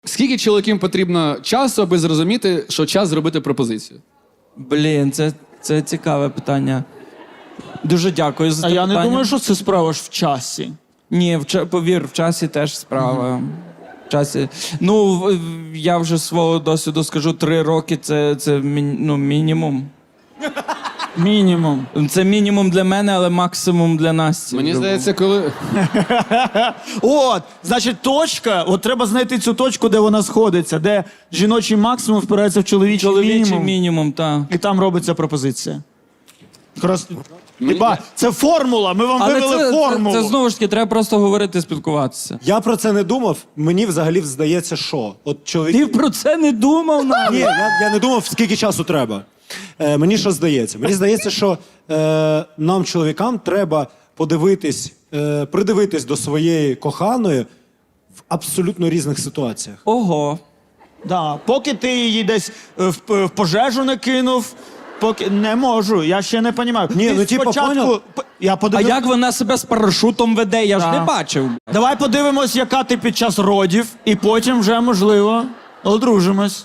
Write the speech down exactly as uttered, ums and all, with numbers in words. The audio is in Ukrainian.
Скільки чоловікам потрібно часу, аби зрозуміти, що час зробити пропозицію? Блін, це, це цікаве питання. Дуже дякую за А це я питання. не думаю, що це справа ж в часі. Ні, в, ча- повір, в часі теж справа. В часі. Ну, в- в- я вже з свого досвіду скажу, три роки це, це мі- ну, мінімум. Мінімум. Це мінімум для мене, але максимум для Насті. Мені здається, коли. От, значить, точка, от треба знайти цю точку, де вона сходиться, де жіночий максимум впирається в чоловічий, Чоловічий мінімум. мінімум, так. І там робиться пропозиція. Крас... Мені- Хіба, це формула, ми вам Але вивели це, це, формулу. це знову ж таки, треба просто говорити, спілкуватися. Я про це не думав. Мені взагалі здається, що от чоловік. Ти про це не думав навіть? Ні, я, я не думав, скільки часу треба. Е, мені що здається? Мені здається, що е, нам, чоловікам, треба подивитись, е, придивитись до своєї коханої в абсолютно різних ситуаціях. Ого. Да. Поки ти її десь е, в, в пожежу не кинув, поки не можу, я ще не розумію. Ні, Ти ну, типа, спочатку... поняв? п- Я А подивив... як вона себе з парашутом веде? Я ж Да. не бачив. Давай подивимось, яка ти під час родів, і потім вже, можливо, одружимось.